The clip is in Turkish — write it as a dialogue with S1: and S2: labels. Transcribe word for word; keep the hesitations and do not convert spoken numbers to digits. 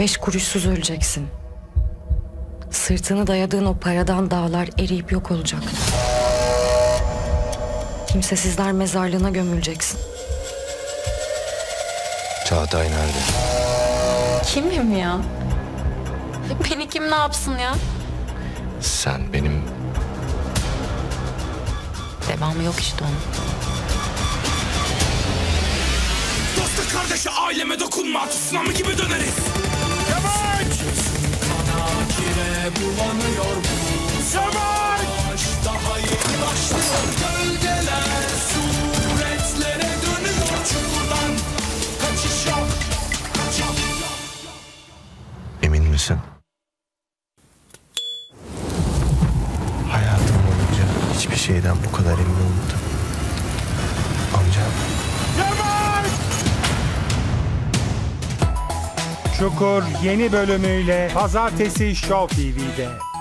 S1: Beş kuruşsuz öleceksin. Sırtını dayadığın o paradan dağlar eriyip yok olacak. Kimsesizler mezarlığına gömüleceksin.
S2: Çağatay nerede?
S3: Kimim ya? Beni kim ne yapsın ya?
S2: Sen benim...
S3: Devamı yok işte onun.
S4: Dosta kardeşe aileme dokunma, tsunami gibi döneriz. Yavaş! Kana kire bulanıyor bu savaş. Daha yeni başlıyor, gölgeler suretlere dönüyor. Çukurdan kaçış yok, kaç yok.
S2: Emin misin? Hayatım boyunca hiçbir şeyden bu kadar emin olmadım. Amcam.
S5: Çukur yeni bölümüyle Pazartesi Show T V'de.